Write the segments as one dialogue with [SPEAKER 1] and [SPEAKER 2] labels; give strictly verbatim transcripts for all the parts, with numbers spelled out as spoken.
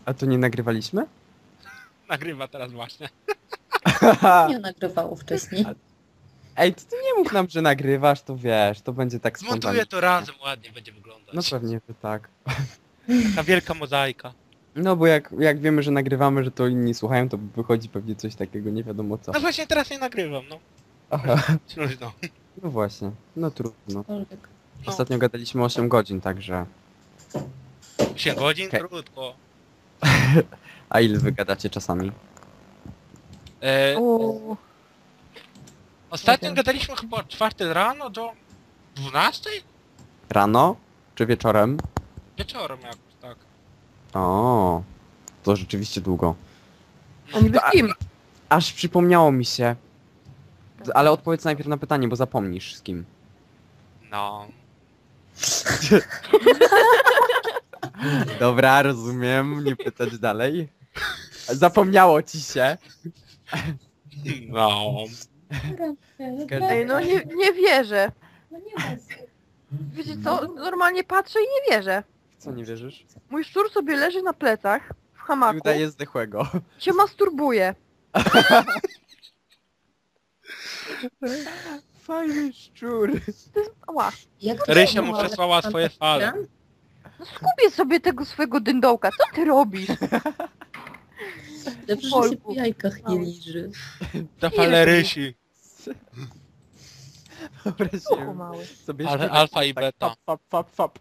[SPEAKER 1] A to nie nagrywaliśmy?
[SPEAKER 2] Nagrywa teraz właśnie.
[SPEAKER 3] Nie nagrywało wcześniej.
[SPEAKER 1] Ej, to ty nie mów nam, że nagrywasz, to wiesz, to będzie tak spontanicznie.
[SPEAKER 2] Zmontuję to razem, ładnie będzie wyglądać.
[SPEAKER 1] No pewnie, że tak.
[SPEAKER 2] Ta wielka mozaika.
[SPEAKER 1] No bo jak, jak wiemy, że nagrywamy, że to inni słuchają, to wychodzi pewnie coś takiego, nie wiadomo co.
[SPEAKER 2] No właśnie teraz nie nagrywam, no.
[SPEAKER 1] Aha,
[SPEAKER 2] No.
[SPEAKER 1] no właśnie, no trudno.
[SPEAKER 3] Cokolwiek.
[SPEAKER 1] Ostatnio gadaliśmy osiem godzin, także...
[SPEAKER 2] osiem godzin?
[SPEAKER 1] Okej.
[SPEAKER 2] Krótko.
[SPEAKER 1] A ile wy gadacie czasami?
[SPEAKER 2] E,
[SPEAKER 4] Uuu,
[SPEAKER 2] ostatnio
[SPEAKER 4] wiem.
[SPEAKER 2] gadaliśmy chyba od czwartej rano do dwunastej?
[SPEAKER 1] Rano? Czy wieczorem?
[SPEAKER 2] Wieczorem jakoś, tak.
[SPEAKER 1] O, to rzeczywiście długo.
[SPEAKER 4] a niby z kim?
[SPEAKER 1] Aż przypomniało mi się. Ale odpowiedz najpierw na pytanie, bo zapomnisz z kim.
[SPEAKER 2] No.
[SPEAKER 1] Dobra, rozumiem, nie pytać dalej. Zapomniało ci się.
[SPEAKER 2] No.
[SPEAKER 4] Ej, no nie, nie wierzę.
[SPEAKER 3] No nie ma.
[SPEAKER 4] Wiecie co, normalnie patrzę i nie wierzę.
[SPEAKER 1] W co nie wierzysz?
[SPEAKER 4] Mój szczur sobie leży na plecach, w
[SPEAKER 1] I
[SPEAKER 4] hamaku,
[SPEAKER 1] udaje zdechłego.
[SPEAKER 4] się masturbuje.
[SPEAKER 1] Fajny szczur.
[SPEAKER 4] Ała,
[SPEAKER 3] Jak to
[SPEAKER 2] Rysia mu
[SPEAKER 3] było?
[SPEAKER 2] przesłała swoje fale.
[SPEAKER 4] no skubię sobie tego swojego dyndołka, co ty robisz?
[SPEAKER 3] Dobrze, że się
[SPEAKER 4] Polku.
[SPEAKER 3] po jajkach nie liży.
[SPEAKER 2] Ta fale rysi.
[SPEAKER 4] Uchu
[SPEAKER 1] Wyobraziłem
[SPEAKER 4] mały.
[SPEAKER 1] sobie
[SPEAKER 2] Ale
[SPEAKER 1] śpiewać
[SPEAKER 2] alfa i
[SPEAKER 1] tak
[SPEAKER 2] beta.
[SPEAKER 1] Fap, fap, fap, fap.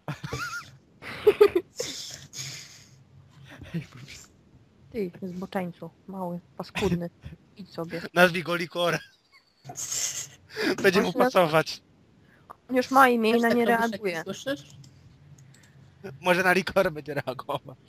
[SPEAKER 1] Ej, po prostu.
[SPEAKER 4] Ty, zboczeńcu, mały, paskudny. Idź sobie.
[SPEAKER 2] Nazwij go Likor. Będzie mu
[SPEAKER 4] Właśnie-
[SPEAKER 2] pasować.
[SPEAKER 4] On już ma imię i
[SPEAKER 3] Też
[SPEAKER 4] na
[SPEAKER 3] tak
[SPEAKER 4] nie
[SPEAKER 3] robisz, jak
[SPEAKER 4] reaguje.
[SPEAKER 3] Słyszysz?
[SPEAKER 2] Może na Likor będzie reagować.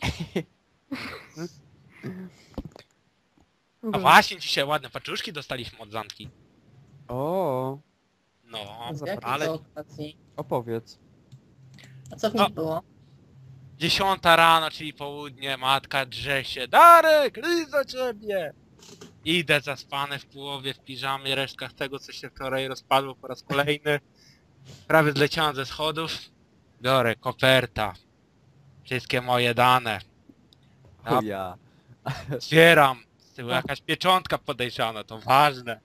[SPEAKER 2] A
[SPEAKER 4] Dobrze.
[SPEAKER 2] właśnie dzisiaj ładne paczuszki dostaliśmy od Zanki.
[SPEAKER 1] O,
[SPEAKER 2] No,
[SPEAKER 3] Z jakiej
[SPEAKER 2] ale
[SPEAKER 3] to okazji?
[SPEAKER 1] opowiedz.
[SPEAKER 3] A co w
[SPEAKER 2] No.
[SPEAKER 3] nich było?
[SPEAKER 2] dziesiąta rano, czyli południe, matka drze się. Darek, list do ciebie! Idę zaspany w połowie, w piżamie, resztkach tego, co się wczoraj rozpadło po raz kolejny. Prawie zleciałem ze schodów. Biorę koperta. Wszystkie moje dane. Ja
[SPEAKER 1] Chuja.
[SPEAKER 2] otwieram. Z tyłu jakaś pieczątka podejrzana, to ważne.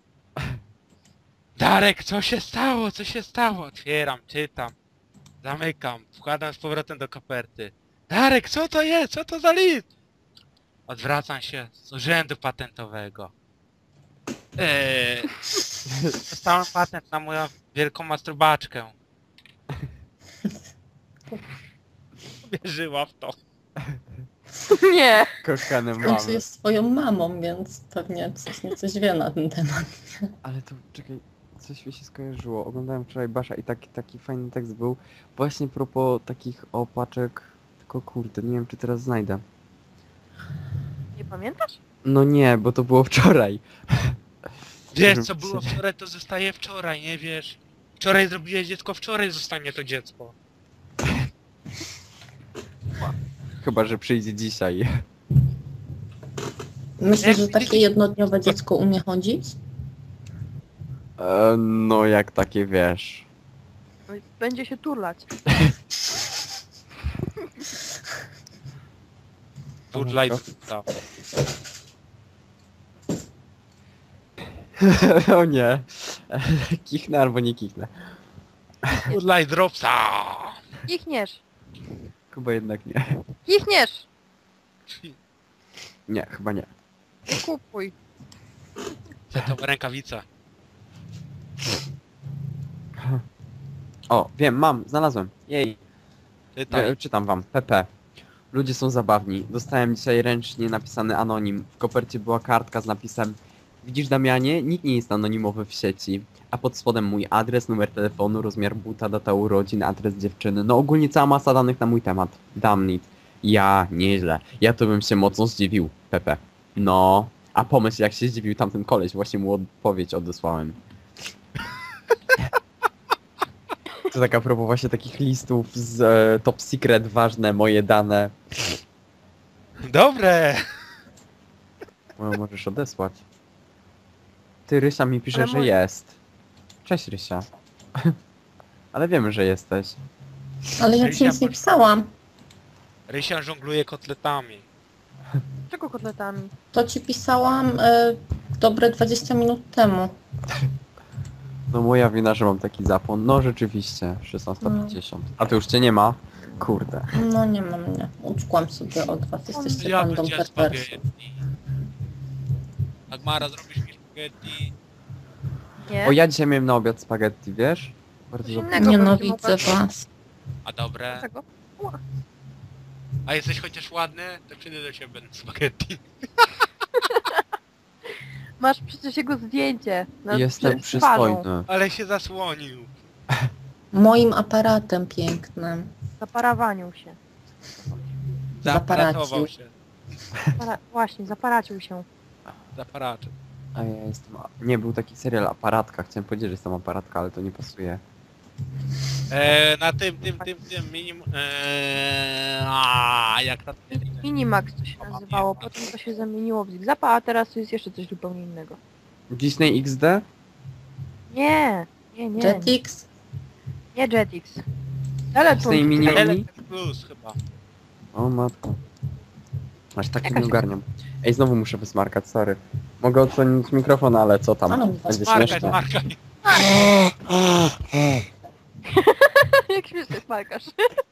[SPEAKER 2] Darek, co się stało? Co się stało? Otwieram, czytam. Zamykam, wkładam z powrotem do koperty. Darek, co to jest? Co to za list? Odwracam się z urzędu patentowego. Eee, dostałem patent na moją wielką masturbaczkę. Wierzyła w to.
[SPEAKER 4] Nie.
[SPEAKER 1] Kochane
[SPEAKER 3] W końcu
[SPEAKER 1] mamy.
[SPEAKER 3] jest swoją mamą, więc pewnie coś nie coś wie na ten temat.
[SPEAKER 1] Ale to, czekaj, coś mi się skojarzyło. Oglądałem wczoraj Basza i taki, taki fajny tekst był. Właśnie propos takich opaczek. Tylko kurde, nie wiem czy teraz znajdę.
[SPEAKER 4] Nie pamiętasz?
[SPEAKER 1] No nie, bo to było wczoraj.
[SPEAKER 2] Wiesz co było wczoraj, to zostaje wczoraj, nie wiesz? Wczoraj zrobiłeś dziecko, wczoraj zostanie to dziecko.
[SPEAKER 1] Chyba, że przyjdzie dzisiaj.
[SPEAKER 3] Myślę, że takie jednodniowe dziecko umie chodzić?
[SPEAKER 1] E, no jak takie wiesz.
[SPEAKER 4] No i będzie się turlać.
[SPEAKER 2] Turlaj
[SPEAKER 1] Aha.
[SPEAKER 2] dupca.
[SPEAKER 1] O nie. Kichnę albo nie kichnę.
[SPEAKER 2] Turlaj dropsa.
[SPEAKER 4] Kichniesz.
[SPEAKER 1] Chyba jednak nie.
[SPEAKER 4] Kichniesz.
[SPEAKER 1] Nie, chyba nie.
[SPEAKER 4] Kupuj.
[SPEAKER 2] To rękawica.
[SPEAKER 1] O, wiem, mam, znalazłem. Jej.
[SPEAKER 2] Czytaj.
[SPEAKER 1] E, czytam wam. P P. Ludzie są zabawni. Dostałem dzisiaj ręcznie napisany anonim. W kopercie była kartka z napisem: widzisz Damianie, nikt nie jest anonimowy w sieci. A pod spodem mój adres, numer telefonu, rozmiar buta, data urodzin, adres dziewczyny. No ogólnie cała masa danych na mój temat. Damnit. Ja, nieźle. Ja to bym się mocno zdziwił. P P. No. A pomyśl jak się zdziwił tamten koleś. Właśnie mu odpowiedź odesłałem. To tak a propos właśnie takich listów z e, top secret, ważne moje dane.
[SPEAKER 2] Dobre.
[SPEAKER 1] No, możesz odesłać. Ty, Rysia mi pisze,
[SPEAKER 4] Ale
[SPEAKER 1] że
[SPEAKER 4] mój-
[SPEAKER 1] jest. Cześć, Rysia. Ale wiemy, że jesteś.
[SPEAKER 3] Ale ja ci nic nie pisałam.
[SPEAKER 2] Rysia żongluje kotletami.
[SPEAKER 4] Czego kotletami?
[SPEAKER 3] To ci pisałam e, dobre dwadzieścia minut temu.
[SPEAKER 1] No moja wina, że mam taki zapłon. No rzeczywiście, szesnasta pięćdziesiąt. A to już cię nie ma? Kurde.
[SPEAKER 3] No nie mam mnie. Uczkłam sobie od was. Jesteście
[SPEAKER 2] Ja
[SPEAKER 3] bandą
[SPEAKER 2] będzie
[SPEAKER 3] perwersów.
[SPEAKER 2] spaghetti. Agmara, zrobisz mi spaghetti?
[SPEAKER 4] Nie?
[SPEAKER 1] O, ja dzisiaj miałem na obiad spaghetti, wiesz? Bardzo
[SPEAKER 4] Coś
[SPEAKER 1] dobrze.
[SPEAKER 4] innego
[SPEAKER 3] Nienawidzę
[SPEAKER 4] będzie mogła-
[SPEAKER 3] was.
[SPEAKER 2] A dobre.
[SPEAKER 4] Dlaczego?
[SPEAKER 2] A jesteś chociaż ładny? To przyjdę do ciebie na spaghetti.
[SPEAKER 4] Masz przecież jego zdjęcie. Na
[SPEAKER 1] Jestem
[SPEAKER 4] przed twarzą.
[SPEAKER 1] przystojny.
[SPEAKER 2] Ale się zasłonił.
[SPEAKER 3] Moim aparatem pięknym.
[SPEAKER 4] Zaparawanił się.
[SPEAKER 2] Zaparatował
[SPEAKER 3] Zaparacił.
[SPEAKER 2] się.
[SPEAKER 4] Zapara... Właśnie, zaparacił się.
[SPEAKER 2] Zaparaczył.
[SPEAKER 1] A ja jestem... Nie, był taki serial Aparatka. Chciałem powiedzieć, że jestem Aparatka, ale to nie pasuje.
[SPEAKER 2] Eee, na tym, tym, tym, tym minim... Eee, a jak na tym...
[SPEAKER 4] Minimax to się nazywało, potem to się zamieniło w Zigzapa, a teraz to jest jeszcze coś zupełnie innego.
[SPEAKER 1] Disney X D?
[SPEAKER 4] Nie, nie, nie,
[SPEAKER 3] Jetix?
[SPEAKER 4] nie Jetix. Teletun.
[SPEAKER 1] Disney Mini
[SPEAKER 2] L
[SPEAKER 1] Mini?
[SPEAKER 2] plus chyba.
[SPEAKER 1] O matko. Aż tak
[SPEAKER 4] Jakaś-
[SPEAKER 1] nie ogarniam. Ej, znowu muszę wysmarkać, sorry. Mogę odsłonić mikrofon, ale co tam?
[SPEAKER 3] Ale
[SPEAKER 1] Będzie
[SPEAKER 2] Markaj,
[SPEAKER 1] śmieszne.
[SPEAKER 2] markaj.
[SPEAKER 4] Jak śmiesznie smarkasz.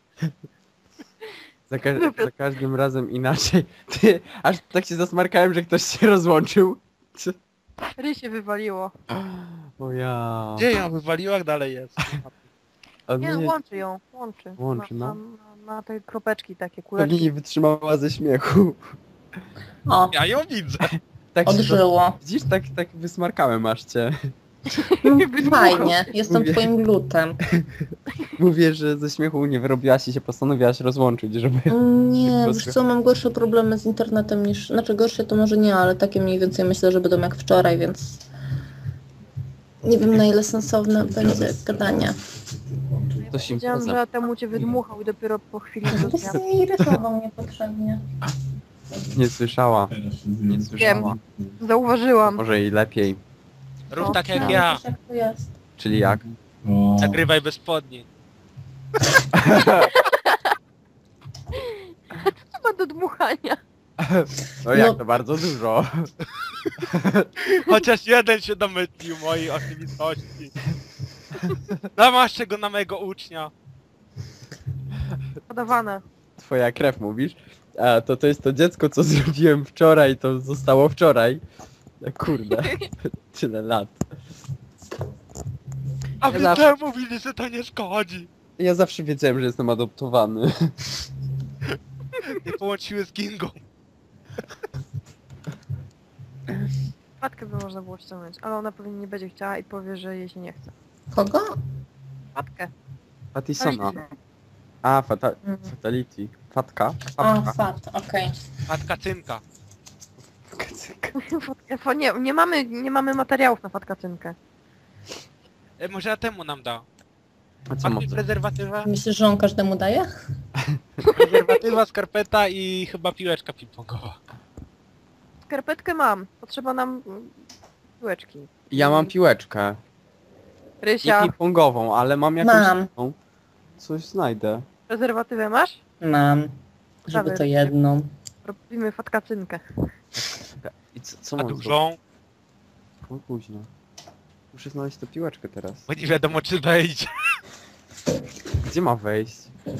[SPEAKER 1] Za, ka za każdym razem inaczej. Ty, aż tak się zasmarkałem, że ktoś się rozłączył. Czy-
[SPEAKER 4] Ry się wywaliło.
[SPEAKER 1] O ja.
[SPEAKER 2] Gdzie ją wywaliła, jak dalej jest?
[SPEAKER 1] A
[SPEAKER 4] Nie,
[SPEAKER 1] mnie
[SPEAKER 4] no, łączy ją, łączy.
[SPEAKER 1] Łączy,
[SPEAKER 4] ma,
[SPEAKER 1] no.
[SPEAKER 4] ma, ma te kropeczki takie,
[SPEAKER 1] pewnie
[SPEAKER 4] kuleczki.
[SPEAKER 1] nie wytrzymała ze śmiechu.
[SPEAKER 3] O,
[SPEAKER 2] Ja ją widzę.
[SPEAKER 1] Tak się
[SPEAKER 3] odżyło.
[SPEAKER 1] Widzisz, tak, tak wysmarkałem aż cię.
[SPEAKER 3] No, fajnie, jestem
[SPEAKER 1] Mówię.
[SPEAKER 3] twoim glutem.
[SPEAKER 1] Mówię, że ze śmiechu nie wyrobiłaś i się postanowiłaś rozłączyć, żeby...
[SPEAKER 3] Nie,
[SPEAKER 1] Tylko
[SPEAKER 3] wiesz co, mam gorsze problemy z internetem niż... Znaczy gorsze to może nie, ale takie mniej więcej myślę, że będą jak wczoraj, więc... Nie wiem na ile sensowne będzie gadanie.
[SPEAKER 1] To się
[SPEAKER 4] Wiedziałam,
[SPEAKER 1] impreza.
[SPEAKER 4] że temu cię wydmuchał i dopiero po chwili
[SPEAKER 3] To
[SPEAKER 4] zrozumiałam.
[SPEAKER 3] sobie irytował niepotrzebnie.
[SPEAKER 1] Nie słyszała. Nie słyszała.
[SPEAKER 4] Zauważyłam.
[SPEAKER 1] Może i lepiej.
[SPEAKER 2] Rób
[SPEAKER 3] O,
[SPEAKER 2] tak jak
[SPEAKER 3] no,
[SPEAKER 2] ja.
[SPEAKER 3] wiesz, jak to jest.
[SPEAKER 1] Czyli jak?
[SPEAKER 2] Nagrywaj bez spodni.
[SPEAKER 4] Co ma do dmuchania?
[SPEAKER 1] No jak
[SPEAKER 3] No.
[SPEAKER 1] to bardzo dużo.
[SPEAKER 2] Chociaż jeden się domyślił mojej oczywistości. Namaszczę go na mojego ucznia.
[SPEAKER 4] Podawane.
[SPEAKER 1] Twoja krew mówisz? A to to jest to dziecko, co zrobiłem wczoraj, to zostało wczoraj. No kurde. Tyle lat.
[SPEAKER 2] A
[SPEAKER 1] Ja
[SPEAKER 2] wy
[SPEAKER 1] zawsze-
[SPEAKER 2] zawsze mówili, że to nie szkodzi.
[SPEAKER 1] Ja zawsze wiedziałem, że jestem adoptowany.
[SPEAKER 2] Nie połączyły z Kingą.
[SPEAKER 4] Matkę by można było ściągnąć, ale ona pewnie nie będzie chciała i powie, że jej się nie chce.
[SPEAKER 3] Kogo?
[SPEAKER 4] Matkę.
[SPEAKER 1] Fatisona. A, fata
[SPEAKER 3] Mhm.
[SPEAKER 1] Fatality. Fatka?
[SPEAKER 3] A,
[SPEAKER 1] Fatka.
[SPEAKER 3] fat, okej.
[SPEAKER 2] Matka Cynka.
[SPEAKER 4] Fatkę- fa- Nie, nie mamy, nie mamy materiałów na fatkacynkę.
[SPEAKER 2] E, może ja temu nam da.
[SPEAKER 1] A co
[SPEAKER 2] Masz
[SPEAKER 1] może?
[SPEAKER 2] prezerwatywę?
[SPEAKER 3] Myślisz, że on każdemu daje?
[SPEAKER 2] Prezerwatywa, skarpeta i chyba piłeczka ping-pongowa.
[SPEAKER 4] Skarpetkę mam. Potrzeba nam mm, piłeczki.
[SPEAKER 1] Ja mam piłeczkę. Nie
[SPEAKER 4] Rysia,
[SPEAKER 1] ping-pongową, ale mam jakąś
[SPEAKER 3] Mam.
[SPEAKER 1] inną. Coś znajdę.
[SPEAKER 4] prezerwatywę masz?
[SPEAKER 3] Mam. Żeby to jedną.
[SPEAKER 4] Robimy fatkacynkę.
[SPEAKER 1] I co, co
[SPEAKER 2] A
[SPEAKER 1] mam zrobić?
[SPEAKER 2] dużą?
[SPEAKER 1] O, późno. Muszę znaleźć tę piłeczkę teraz.
[SPEAKER 2] Bo nie wiadomo czy wejdzie.
[SPEAKER 1] Gdzie ma wejść?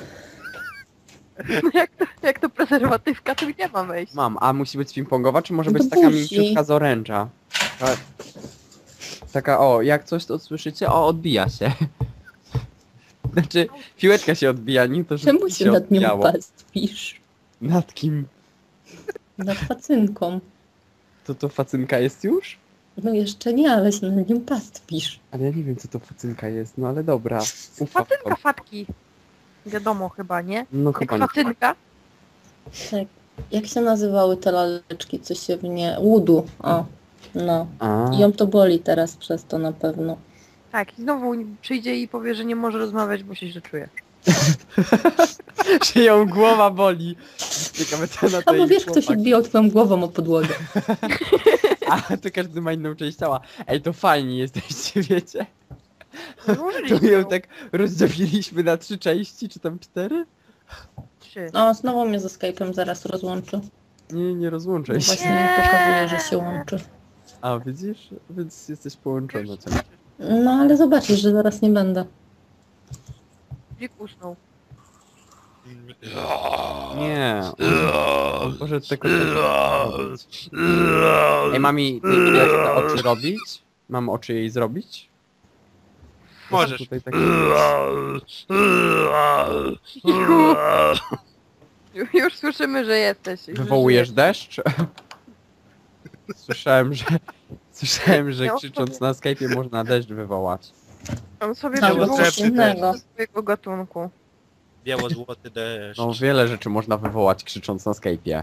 [SPEAKER 4] jak, to, jak to prezerwatywka, to gdzie ma wejść?
[SPEAKER 1] Mam, a musi być ping-pongowa, czy może
[SPEAKER 3] Do
[SPEAKER 1] być taka
[SPEAKER 3] buzi.
[SPEAKER 1] mięciutka z oręża? Ta, taka, o, jak coś to słyszycie? O, odbija się. Znaczy, piłeczka się odbija, nie to, że
[SPEAKER 3] Czemu się nad nią
[SPEAKER 1] odbijało.
[SPEAKER 3] pastwisz?
[SPEAKER 1] Nad kim?
[SPEAKER 3] Nad facynką.
[SPEAKER 1] To to facynka jest już?
[SPEAKER 3] No jeszcze nie, ale się nad nią pastwisz.
[SPEAKER 1] Ale ja nie wiem, co to facynka jest, no ale dobra. Ufam
[SPEAKER 4] Facynka
[SPEAKER 1] wam.
[SPEAKER 4] fatki. Wiadomo chyba, nie?
[SPEAKER 1] No
[SPEAKER 4] Jak
[SPEAKER 1] chyba nie.
[SPEAKER 4] facynka.
[SPEAKER 3] Tak. Jak się nazywały te laleczki, co się w nie... Łudu. O. No.
[SPEAKER 1] A,
[SPEAKER 3] I ją to boli teraz przez to na pewno.
[SPEAKER 4] Tak, i znowu przyjdzie i powie, że nie może rozmawiać, bo się źle czuje.
[SPEAKER 1] że ją głowa boli. Ciekawe, co na to
[SPEAKER 3] A bo
[SPEAKER 1] jej
[SPEAKER 3] wiesz, kto się
[SPEAKER 1] chłopak.
[SPEAKER 3] bijał twoją głową o podłogę.
[SPEAKER 1] A, to każdy ma inną część ciała. Ej, to fajni jesteście, wiecie? To
[SPEAKER 4] Złożyliśmy
[SPEAKER 1] ją
[SPEAKER 4] ją.
[SPEAKER 1] tak rozdzieliliśmy na trzy części, czy tam cztery?
[SPEAKER 4] Trzy.
[SPEAKER 3] O, znowu mnie ze Skype'em zaraz rozłączy.
[SPEAKER 1] Nie, nie rozłączaj
[SPEAKER 3] No
[SPEAKER 1] się.
[SPEAKER 3] właśnie mi pokazuje, że się łączy.
[SPEAKER 1] A widzisz? Więc jesteś połączona ciągle.
[SPEAKER 3] No ale zobaczysz, że zaraz nie będę.
[SPEAKER 4] Dzik usnął.
[SPEAKER 1] Nie. On poszedł tylko robić. Ej, mami, ty jak te oczy robić? Mam oczy jej zrobić?
[SPEAKER 2] Możesz.
[SPEAKER 1] Tutaj tak...
[SPEAKER 4] Ju- Już słyszymy, że jesteś. że
[SPEAKER 1] Wywołujesz
[SPEAKER 4] żyjesz.
[SPEAKER 1] deszcz? Słyszałem, że... Słyszałem, że
[SPEAKER 4] Ja
[SPEAKER 1] krzycząc na Skype'ie można deszcz wywołać.
[SPEAKER 4] On sobie
[SPEAKER 3] Albo
[SPEAKER 4] wywołał
[SPEAKER 3] coś innego.
[SPEAKER 4] swojego gatunku.
[SPEAKER 2] Biało-złoty deszcz.
[SPEAKER 1] No wiele rzeczy można wywołać krzycząc na Skype'ie.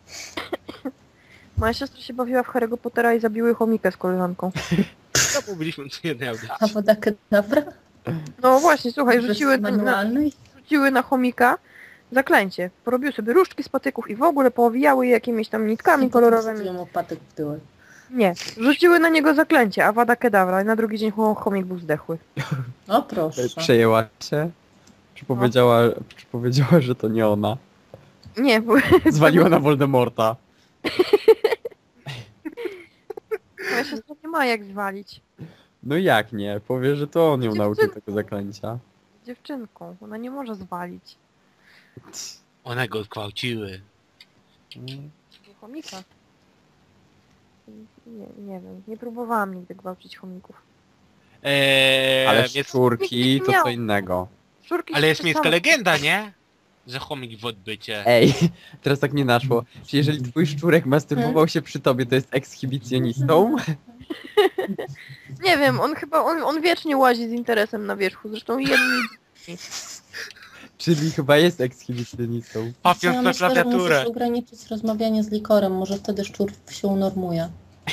[SPEAKER 4] Moja siostra się bawiła w Harry'ego Pottera i zabiły chomikę z koleżanką.
[SPEAKER 2] Co mówiliśmy co jednej audycji?
[SPEAKER 3] A woda kedawra?
[SPEAKER 4] No właśnie, słuchaj,
[SPEAKER 3] Bez
[SPEAKER 4] rzuciły na, na,
[SPEAKER 3] manualnej?
[SPEAKER 4] rzuciły na chomika zaklęcie. Porobiły sobie różdżki z patyków i w ogóle poowijały je jakimiś tam nitkami kolorowymi.
[SPEAKER 3] Wsadziłem opatek w tyłek.
[SPEAKER 4] Nie, rzuciły na niego zaklęcie, Avada Kedavra i na drugi dzień chom- chomik był zdechły.
[SPEAKER 3] O proszę.
[SPEAKER 1] Przejęła się? Czy powiedziała, czy powiedziała, że to nie ona?
[SPEAKER 4] Nie, bo
[SPEAKER 1] Zwaliła na Voldemorta.
[SPEAKER 4] moja siostra nie ma jak zwalić.
[SPEAKER 1] No jak nie? Powie, że to on ją nauczył
[SPEAKER 4] Dziewczynką.
[SPEAKER 1] tego zaklęcia.
[SPEAKER 4] Z dziewczynką, ona nie może zwalić.
[SPEAKER 2] One go zgwałciły.
[SPEAKER 4] Chomika. Nie, nie wiem, nie próbowałam nigdy gwałcić chomików.
[SPEAKER 2] Eee,
[SPEAKER 1] Ale
[SPEAKER 2] jest,
[SPEAKER 1] szczurki to
[SPEAKER 4] miał.
[SPEAKER 1] co innego.
[SPEAKER 4] Szczurki
[SPEAKER 2] ale
[SPEAKER 4] się
[SPEAKER 2] jest miejska
[SPEAKER 4] same-
[SPEAKER 2] legenda, nie? Że chomik w odbycie.
[SPEAKER 1] Ej, teraz tak nie naszło. Czy jeżeli twój szczurek masturbował się przy tobie, to jest ekshibicjonistą?
[SPEAKER 4] Nie wiem, on chyba, on, on wiecznie łazi z interesem na wierzchu, zresztą jedni...
[SPEAKER 1] Czyli chyba jest ekshibicjonistą.
[SPEAKER 2] Papiąc
[SPEAKER 3] Ja
[SPEAKER 2] na
[SPEAKER 3] myślę, że
[SPEAKER 2] klawiaturę.
[SPEAKER 3] musisz ograniczyć rozmawianie z likorem, może wtedy szczur się unormuje.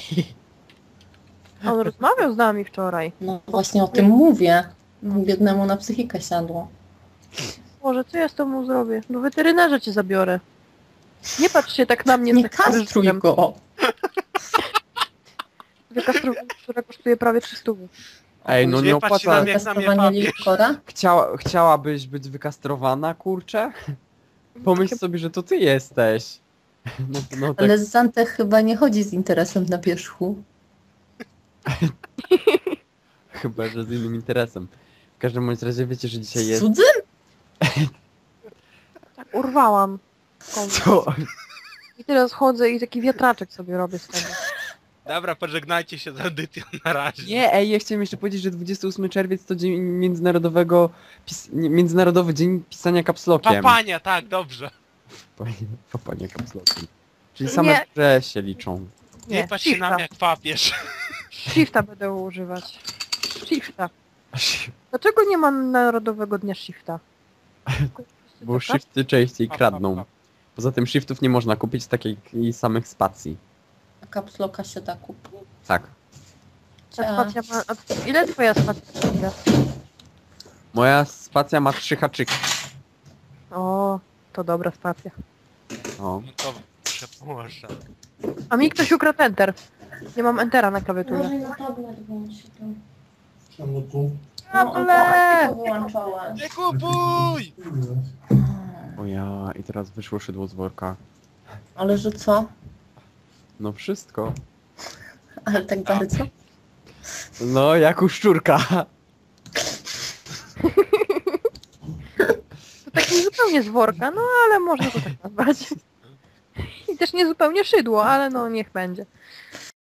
[SPEAKER 4] On rozmawiał z nami wczoraj.
[SPEAKER 3] No właśnie o tym mówię. Biednemu na psychikę siadło.
[SPEAKER 4] Boże, co ja z tobą zrobię? Do weterynarza cię zabiorę. Nie patrz się tak na mnie.
[SPEAKER 3] Nie
[SPEAKER 4] z takim
[SPEAKER 3] kastruj
[SPEAKER 4] ryżem.
[SPEAKER 3] go!
[SPEAKER 4] Wykastrowanie, która kosztuje prawie trzysta.
[SPEAKER 1] Ej, no nie
[SPEAKER 2] Nie patrz się na
[SPEAKER 1] opłaca.
[SPEAKER 2] mnie. Jak na mnie
[SPEAKER 3] Kastowanie
[SPEAKER 2] papież.
[SPEAKER 3] likora?
[SPEAKER 1] Chciała, chciałabyś być wykastrowana, kurczę? Pomyśl sobie, że to ty jesteś. No, no tak.
[SPEAKER 3] Ale Zantech chyba nie chodzi z interesem na wierzchu.
[SPEAKER 1] Chyba, że z innym interesem. W każdym bądź razie wiecie, że dzisiaj jest...
[SPEAKER 3] Cudzym?
[SPEAKER 4] Tak, urwałam. komuś.
[SPEAKER 1] Co?
[SPEAKER 4] I teraz chodzę i taki wiatraczek sobie robię z tego.
[SPEAKER 2] Dobra, pożegnajcie się z audycją na razie.
[SPEAKER 1] Nie, ej, ja chciałem jeszcze powiedzieć, że dwudziestego ósmego czerwca to dzień międzynarodowego... Pis... nie, Międzynarodowy Dzień Pisania Kapslokiem.
[SPEAKER 2] Papania, tak, dobrze.
[SPEAKER 1] Papanie kapslokiem. Czyli same
[SPEAKER 4] Nie.
[SPEAKER 1] grze się liczą.
[SPEAKER 2] Nie,
[SPEAKER 4] Nie,
[SPEAKER 2] patrz się na
[SPEAKER 4] shifta.
[SPEAKER 2] mnie jak papież.
[SPEAKER 4] Shifta będę używać. Shifta. Dlaczego nie ma Narodowego Dnia Shifta?
[SPEAKER 1] Bo shifty częściej kradną. Poza tym shiftów nie można kupić takich samych spacji.
[SPEAKER 3] A kapsloka się da kupić.
[SPEAKER 1] Tak.
[SPEAKER 4] Ta spacja ma... A ile twoja spacja ma?
[SPEAKER 1] Moja spacja ma trzy haczyki.
[SPEAKER 4] O, to dobra spacja.
[SPEAKER 1] O.
[SPEAKER 2] No to przepraszam.
[SPEAKER 4] A mi ktoś ukradł enter. Nie mam entera na klawiaturze.
[SPEAKER 3] na tablet włącz to.
[SPEAKER 5] Czemu tu?
[SPEAKER 4] Able!
[SPEAKER 3] wyłączała.
[SPEAKER 2] Nie kupuj!
[SPEAKER 1] O ja, i teraz wyszło szydło z worka.
[SPEAKER 3] Ale że co?
[SPEAKER 1] No wszystko.
[SPEAKER 3] Ale tak bardzo?
[SPEAKER 1] No, jak u szczurka.
[SPEAKER 4] To tak nie zupełnie z worka, no ale można to tak nazwać. I też nie zupełnie szydło, ale no niech będzie.